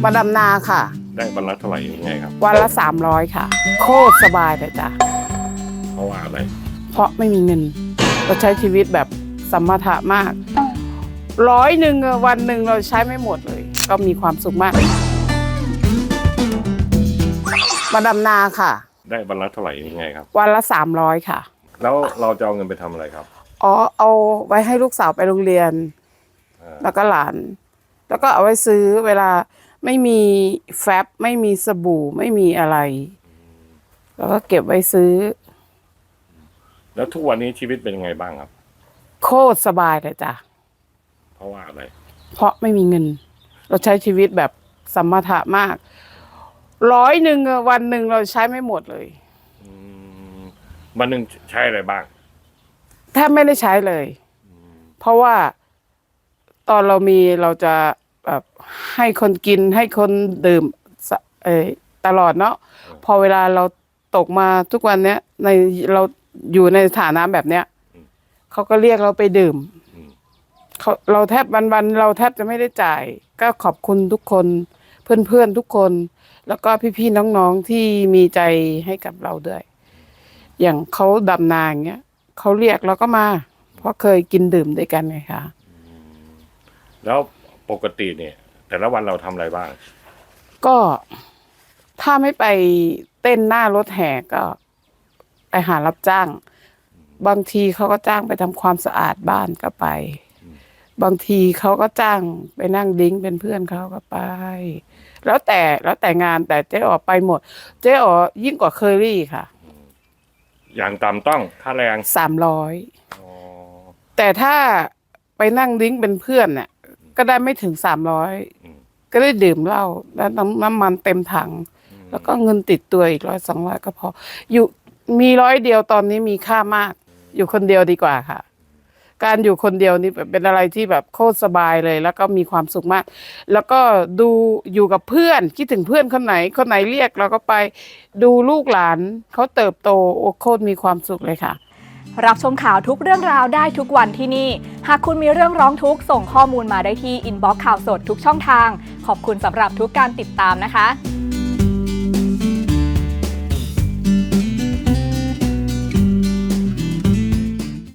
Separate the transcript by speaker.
Speaker 1: มาดำนาค่ะ
Speaker 2: ได้วันละเท่าไหร่ยังไงครับ
Speaker 1: วันละ300ค่ะโคตรสบายเลยจ้ะ
Speaker 2: เพราะว่าอะไร
Speaker 1: เพราะไม่มีเงินเราใช้ชีวิตแบบสมถะมาก100วันหนึ่งเราใช้ไม่หมดเลยก็มีความสุขมากมาดำนาค่ะ
Speaker 2: ได้วันละเท่าไหร่ยังไงครับ
Speaker 1: วันละ300ค่ะ
Speaker 2: แล้วเราจะเอาเงินไปทำอะไรครับ
Speaker 1: เอาไว้ให้ลูกสาวไปโรงเรียนแล้วก็หลานแล้วก็เอาไว้ซื้อเวลาไม่มีแฟบไม่มีสบู่ไม่มีอะไรแล้วก็เก็บไว้ซื้อ
Speaker 2: แล้วทุกวันนี้ชีวิตเป็นยังไงบ้างครับ
Speaker 1: โคตรสบายเลยจ้ะ
Speaker 2: เพราะว่าอะไร
Speaker 1: เพราะไม่มีเงินเราใช้ชีวิตแบบสมถะมาก100วันหนึ่งเราใช้ไม่หมดเลย
Speaker 2: วันหนึ่งใช้อะไรบ้าง
Speaker 1: แทบไม่ได้ใช้เลยเพราะว่าตอนเรามีเราจะแบบให้คนกินให้คนดื่มตลอดเนาะพอเวลาเราตกมาทุกวันเนี้ยเราอยู่ในฐานะแบบเนี้ยเขาก็เรียกเราไปดื่มเราแทบวันเราแทบจะไม่ได้จ่ายก็ขอบคุณทุกคนเพื่อนทุกคนแล้วก็พี่ๆน้องๆที่มีใจให้กับเราด้วยอย่างเขาดำนาอย่างเงี้ยเขาเรียกเราก็มาเพราะเคยกินดื่มด้วยกันไงคะ
Speaker 2: แล้วปกติเนี่ยแต่ละวันเราทำอะไรบ้าง
Speaker 1: ก็ถ้าไม่ไปเต้นหน้ารถแห่ก็ไปหารับจ้างบางทีเขาก็จ้างไปทำความสะอาดบ้านก็ไปบางทีเขาก็จ้างไปนั่งดิ้งเป็นเพื่อนเขาก็ไปแล้วแต่งานแต่เจ๊อ๋อไปหมดเจ๊อ๋อยิ่งกว่าเคอรี่ค่ะ
Speaker 2: อย่างต่ำต้องค่าแรง
Speaker 1: 300แต่ถ้าไปนั่งดิ้งเป็นเพื่อนเนี่ยก็ได้ไม่ถึง300ก็ได้ดื่มเหล้าแล้วน้ำมันเต็มถังแล้วก็เงินติดตัวอีก100-200ก็พออยู่มี100เดียวตอนนี้มีค่ามากอยู่คนเดียวดีกว่าค่ะการอยู่คนเดียวนี่เป็นอะไรที่แบบโคตรสบายเลยแล้วก็มีความสุขมากแล้วก็ดูอยู่กับเพื่อนคิดถึงเพื่อนคนไหนเรียกเราก็ไปดูลูกหลานเขาเติบโตโอ้โคตรมีความสุขเลยค่ะ
Speaker 3: รับชมข่าวทุกเรื่องราวได้ทุกวันที่นี่หากคุณมีเรื่องร้องทุกข์ส่งข้อมูลมาได้ที่อินบ็อกซ์ข่าวสดทุกช่องทางขอบคุณสำหรับทุกการติดตามนะคะ